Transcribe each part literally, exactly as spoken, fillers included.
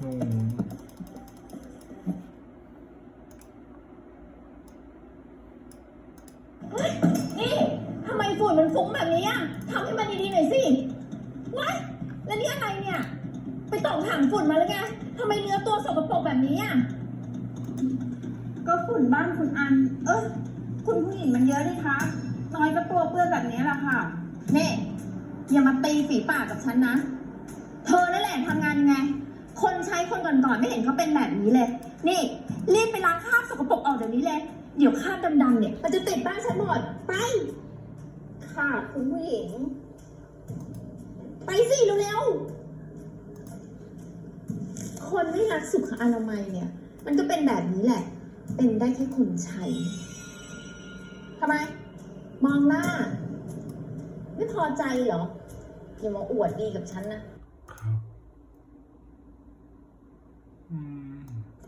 เฮ้ยนี่ทำไมฝุ่นมันฟุ้งแบบนี้อ่ะทำให้มันดีๆหน่อยสิว้ายแล้วนี่อะไรเนี่ยไปตอกถังฝุ่นมาแล้วไงทำไมเนื้อตัวสกปรกแบบนี้อ่ะก็ฝุ่นบ้านคุณอันเออคุณผู้หญิงมันเยอะดิคะน้อยก็ตัวเปื้อนแบบนี้แหละค่ะนี่อย่ามาตีฝีปากกับฉันนะเธอนั่นแหละทำงานยังไงคนใช้คนก่อนๆไม่เห็นเขาเป็นแบบนี้เลยนี่รีบไปล้างคราบสกปรกออกเดี๋ยวนี้เลยเดี๋ยวคราบดำๆเนี่ยมันจะติดบ้านฉันหมดไปค่ะคุณผู้หญิงไปสิเร็วๆคนไม่รักสุขอนามัยเนี่ยมันก็เป็นแบบนี้แหละเป็นได้แค่คนใช้ทำไมมองหน้าไม่พอใจเหรออย่ามาอวดดีกับฉันนะครับอืม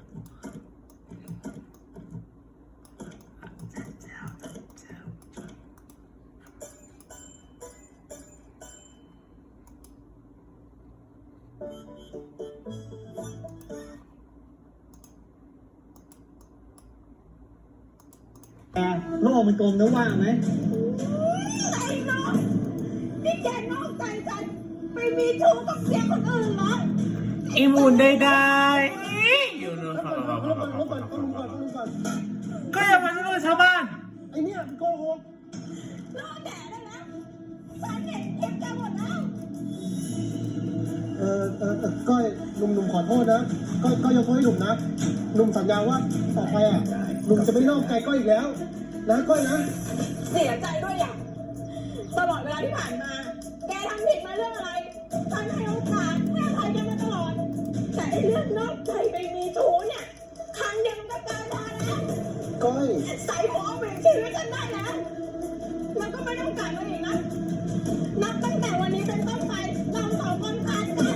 โลกมันกลมนะว่างไหมไอ้น้องนี่แกนอกใจฉันไปมีชู้กับเสียคนอื่นเหรออีมูนได้ได้อยู่นู่นก็อย่ามาช่วยชาวบ้านไอ้เนี่ยโกหกรอแดดได้แล้วฉันเห็นคลิปแกหมดแล้วเออเออก้อยหนุ่มๆขอโทษนะก้อยก้อยยกโทษให้หนุ่มนะหนุ่มสัญญาว่าต่อไปอ่ะหนุ่มจะไม่นอกใจก้อยอีกแล้วนะก้อยนะเสียใจด้วยอย่างตลอดเวลาที่ผ่านมาแกทำผิดมาเรื่องอะไรฉันให้โอกาสให้อภัยแกมาตลอดแต่ไอ้เรื่องนอกใจไปมีชู้เนี่ยครั้งเดียวมันก็เกินพอแล้วก้อยใส่หัวเอาเปลี่ยนชีวิตกันได้แล้วมันก็ไม่ต้องกลับมาอีกนะนับตั้งแต่วันนี้เป็นต้นไปเราสองคนขาดกัน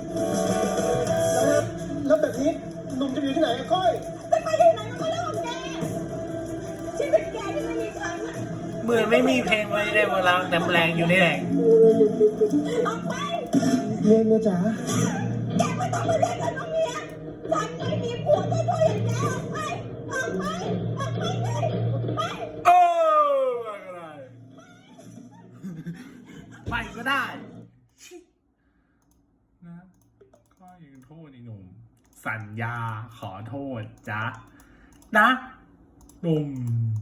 แล้วแบบนี้หนุ่มจะอยู่ที่ไหนก้อยจะไปที่ไหนมันก็เรื่องของแกชีวิตแกที่ไม่มีฉันอะเหมือนไม่มีเพลงไว้ได้เวลาแต่แรงอยู่นี่แหละออกไปเมียเมียจ๋าแกไม่ต้องมาเรียกฉันว่าเมียฉันไม่มีผัวตัวตัวอย่างแกออกไปออกไปออกไปเลยไปโอ้ไปก็ได้นะก็ยังโทษไอ้หนุ่มสัญญาขอโทษจ้ะนะหนุ่ม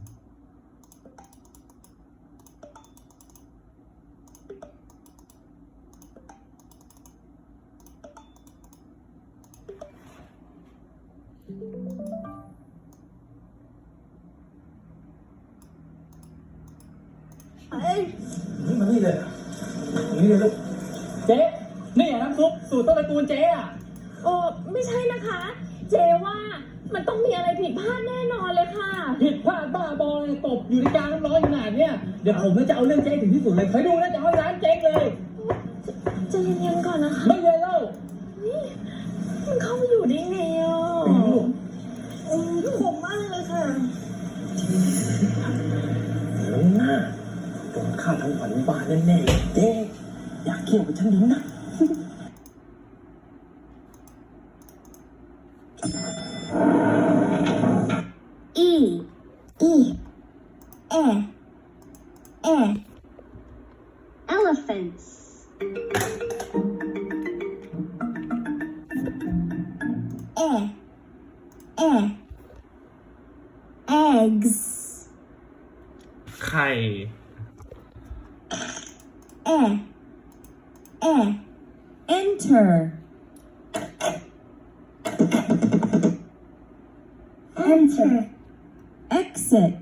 เอ้ยนี่มันนี่เลยนี่เลยลูกเจ๊นี่น้ำซุปสูตรต้นตระกูลเจ๊อ่ะโอ้ไม่ใช่นะคะเจว่ามันต้องมีอะไรผิดพลาดแน่นอนเลยค่ะผิดพลาดบ้าบอเลยตบอยู่ในกลางน้ำร้อนขนาดเนี้ยเดี๋ยวผมจะเอาเรื่องเจ๊ถึงที่สุดเลยคอยดูนะจะเอาร้านเจ๊งเลยใจเย็นๆก่อนนะคะไม่เย็นแล้วมันเข้ามาอยู่ได้ไงอ่ะอืมขมมากเลยค่ะหลงหน้าโดนฆ่าทั้งฝันบ้านแน่ๆเจ๊อยากเกี่ยวกับฉันดิ้งนะอีอีเอเอ elephantsเอเอ eggs ไข่เอเอ enter enter exit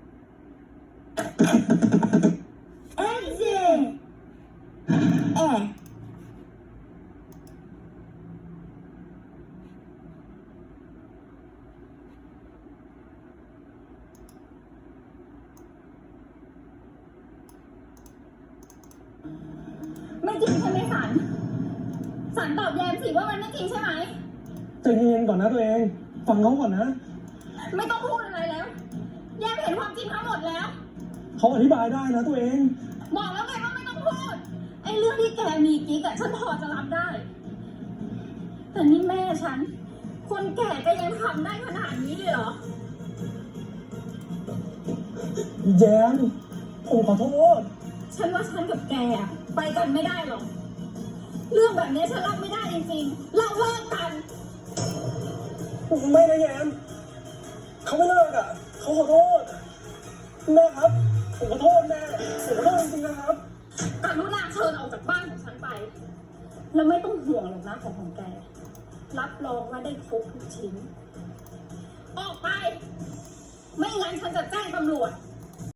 exit เอไม่จริงใช่ไหมสันสันตอบแยมสิว่ามันไม่จริงใช่ไหมใจเย็นก่อนนะตัวเองฟังเขาก่อนนะไม่ต้องพูดอะไรแล้วแยมเห็นความจริงทั้งหมดแล้วเขาอธิบายได้นะตัวเองบอกแล้วไงว่าไม่ต้องพูดไอ้เรื่องที่แกมีกิ๊กอะฉันพอจะรับได้แต่นี่แม่ฉัน คนแก่ก็ยังทำได้ขนาดนี้เลยเหรอแย้มผมขอโทษฉันว่าฉันกับแกอะไปกันไม่ได้หรอก เรื่องแบบนี้ฉันรับไม่ได้จริงๆ เราเลิกกันไม่นะแย้มเขาไม่เลิกอ่ะเขาขอโทษแม่ครับผมขอโทษแม่ผมขอโทษจริงๆนะครับกรุณาเชิญออกจากบ้านของฉันไป แล้วไม่ต้องห่วงหรอกนะของของแก รับรองว่าได้ครบทุกชิ้น ออกไป ไม่งั้นฉันจะแจ้งตำรวจ